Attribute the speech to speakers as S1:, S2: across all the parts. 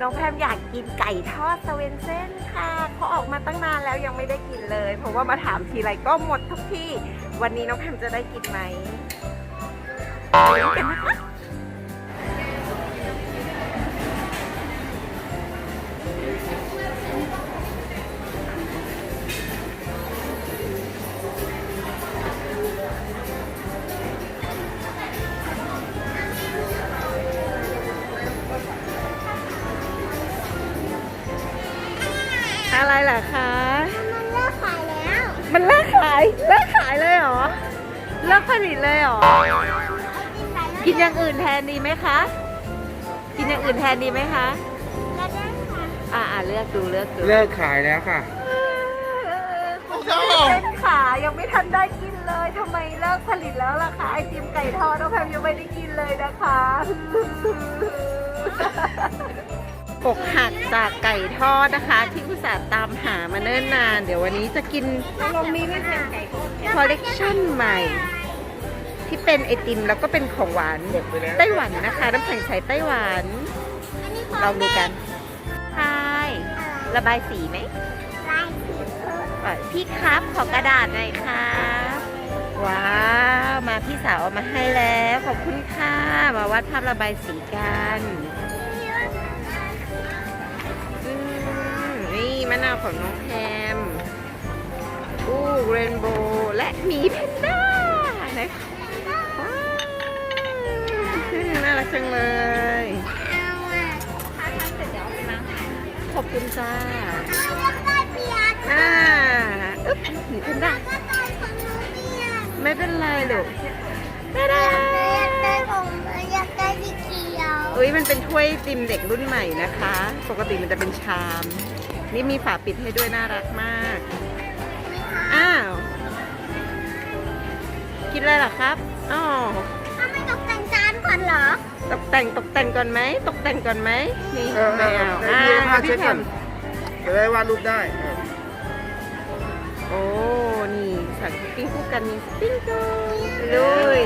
S1: น้องแพมอยากกินไก่ทอดสเวนเซ่นค่ะเขาออกมาตั้งนานแล้วยังไม่ได้กินเลย เพราะว่ามาถามทีไรก็หมดทุกที่วันนี้น้องแพมจะได้กินไหมไปดูกันนะคะอะไรล่ะคะ
S2: มันเลิกขายแล้ว
S1: มันเลิกขายเลยเหรอเลิกผลิตเลยเหรอกินอย่างอื่นแทนดีไหมคะกินอย่างอื่นแทนดีไหมคะ
S2: แล้วได้ค่ะ
S1: เลือกดู
S3: เลิกขายแล้วค่ะ
S1: เป็นขายังไม่ทันได้กินเลยทำไมเลิกผลิตแล้วล่ะคะไอติมไก่ทอดน้องแพมยังไม่ได้กินเลยนะคะอกหักจากไก่ทอดนะคะที่อุตส่าห์ตามหามาเนิ่นนานเดี๋ยววันนี้จะกินมีไม่เป็นไก่คอลเลกชันใหม่ ที่เป็นไอติมแล้วก็เป็นของหวานไต้หวันนะคะน้ำแข็งใสไต้หวันลองดูกันใช่ระบายสีไหม
S2: ลายสี
S1: พี่ครับขอกระดาษหน่อยค่ะว้าวมาพี่สาวเอามาให้แล้วขอบคุณค่ะมาวาดภาพระบายสีกันนี่มะนาวของน้องแพมเรนโบว์และหมีแพนด้านะว้าวน่ารักจังเลยขอบคุณจ้าอึ๊บหมีแพนด้าไม่เป็นไรลูกได้
S2: อยากได้สีเขียว
S1: มันเป็นถ้วยติมเด็กรุ่นใหม่นะคะ ปกติมันจะเป็นชาม นี่มีฝาปิดให้ด้วยน่ารักมากอ้าวกินอะไรเหรอครับอ๋อ
S2: ถ้าไม่ตกแต่งจานก่อนเหรอ
S1: ตกแต่งก่อนไหมนี่แมว
S3: พี่แพมจะได้วาดรูปได้
S1: โอ้นี่สั่งคุกกิ้งคู่กันมีสปริงเกิลเลย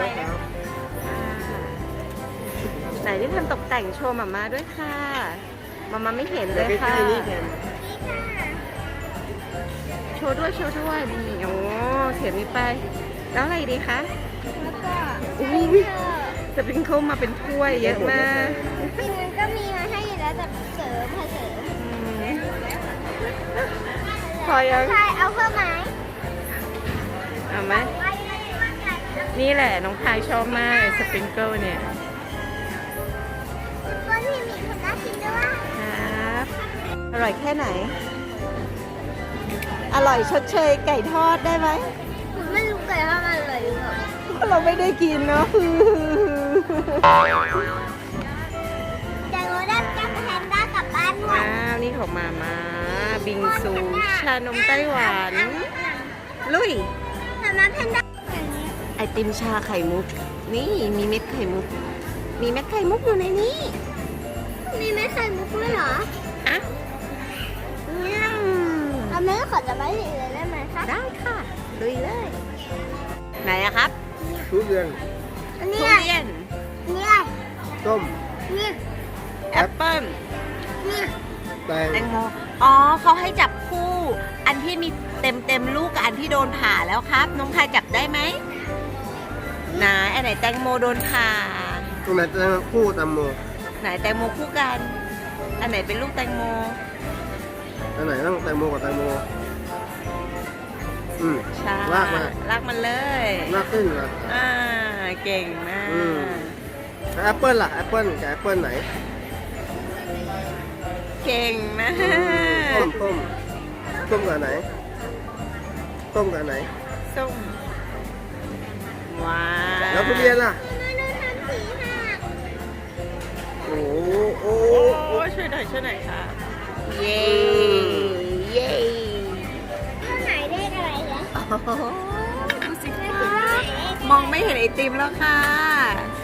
S1: ไหนที่ทำตกแต่งโชว์มาด้วยค่ะมาไม่เห็นเลยค่ะโชว์ด้วยนี่โอ้เสียมีไปแล้วอะไรดีคะ
S2: แล้วก็
S1: สปริงเกิลมาเป็นถ้วยเยอะมาก
S2: จริงมันก็มีมาให้อยู่แล้วแต่เสริม
S1: พอยัง
S2: ใช่เอาเพิ่มไหม
S1: เอาไหมนี่แหละน้องพายชอบมากสปริงเกิลเนี่ย
S2: ก็ที่มีคนน่ากินด้วย
S1: ครับอร่อยแค่ไหนอร่อยชดเชยไก่ทอดได้ไหม
S2: ไม่รู้ไก่ทอดมันอร่อยหรือเปล่า
S1: เราไม่ได้กินเนาะ
S2: แต่เราได้จับแพนด้ากลับบ้านด้วย
S1: ว้าวนี่ของมาบิงซูชานมไต้หวันลุย
S2: แต่มาแพนด้าอย่างนี้
S1: ไอติมชาไข่มุกนี่มีเม็ดไข่มุกอยู่ในนี้
S2: มีไม่ไข่มุกด้วยเหรอ
S1: อ่ะ
S2: เอาไม่ขอจะไม่สีเลยได้ไหมคะ
S1: ได้ค่ะลุยเลยไหนอะครับ
S3: ทุเรียน
S2: อัน
S1: ทุ
S2: นี้
S1: เรียน
S2: นี่
S3: ส้ม
S2: นี่
S1: แอปเปิ้ล
S2: นี่
S3: แตง
S1: แตงโมอ๋อเขาให้จับคู่ อันที่มีเต็มลูกกับอันที่โดนผ่าแล้วครับ น้องพายจับได้ไหมไหนอันไหนแตงโมโดนผ่า
S3: ตรงไหนแตงคู่แตงโม
S1: ไหนแตงโมคู่กัน อันไหนเป็นลูกแตงโม
S3: อันไหนต้องแตงโมกับแตงโม
S1: ใช่
S3: ลากมา
S1: ลากมันเลย
S3: ลากขึ้นนะ
S1: เก่งมาก
S3: แอปเปิ้ลล่ะแอปเปิ้ลกับแอปเปิ้ลไหน
S1: เก่งมาก
S3: ส้มกับไหนส้มกับไหน
S1: ส้มว้าว
S3: แล้วทุเรียนล่ะ
S2: ไม่ได้ทำสีหัก
S3: โอ้โห
S1: โอ้ช่วยหน่อยค่ะเย้เย้
S2: ข้างไหนเลขอะไรเหรอ
S1: ดูสิคะมองไม่เห็นไอติมแล้วค่ะ